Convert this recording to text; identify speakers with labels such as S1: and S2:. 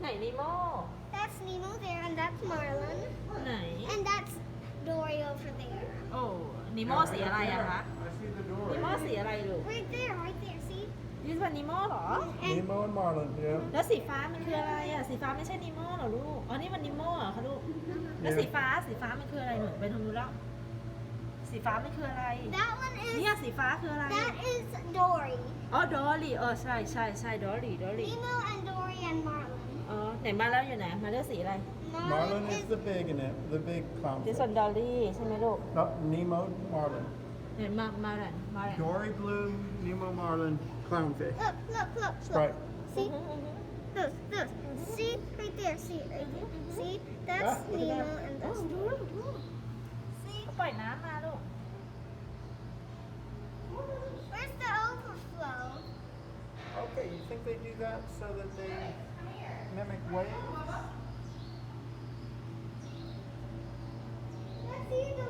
S1: นิโม
S2: That's Nemo there, and that's Marlin,
S1: ไหน
S2: and that's Dory over there.
S1: โอ้นิโมสีอะไรอะคะ
S3: I see the
S1: นิโม
S3: door.
S1: สีอะไรลูก
S2: Right there, see?
S1: นี่เป็นนิโมเหรอ
S2: And
S3: Nemo and Marlin, yeah.
S1: แล้วสีฟ้ามันคืออะไรอะสีฟ้าไม่ใช่นิโมเหรอลูก อ๋อ นี่มันนิโมเหรอคะลูก แล้วสีฟ้ามันคืออะไรหนูไปทางนู้นแล้ว สีฟ้ามันคืออะไร
S2: that one
S1: เนี่ย
S2: is
S1: สีฟ้าคืออะไร
S2: that is Dory.
S1: อ๋อ ดอลลี่ใช่ดอลลี่
S2: Nemo and Dory and Marlin.
S1: อ๋อ ไหนมาแล้วอยู่ไหน มาเลือกสีอะไร
S3: Marlin is the big in it, the big
S1: สีส่วน
S3: clownfish.
S1: ดอลลี่ใช่ไหมลูก
S3: No, Nemo, Marlin.
S1: เห็นมาแหละ
S3: Dory blue, Nemo Marlin, clownfish.
S2: Look.
S3: Right.
S2: See? Look. See? Right there. See? Right there. See? That's
S3: Ah, look at
S2: Nemo
S3: that.
S2: and that's Dory. See?
S1: ก็ปล่อยน้ำมาลูก
S2: Where's the overflow?
S3: Okay, you think they do that so that they mimic waves?
S2: Let's see the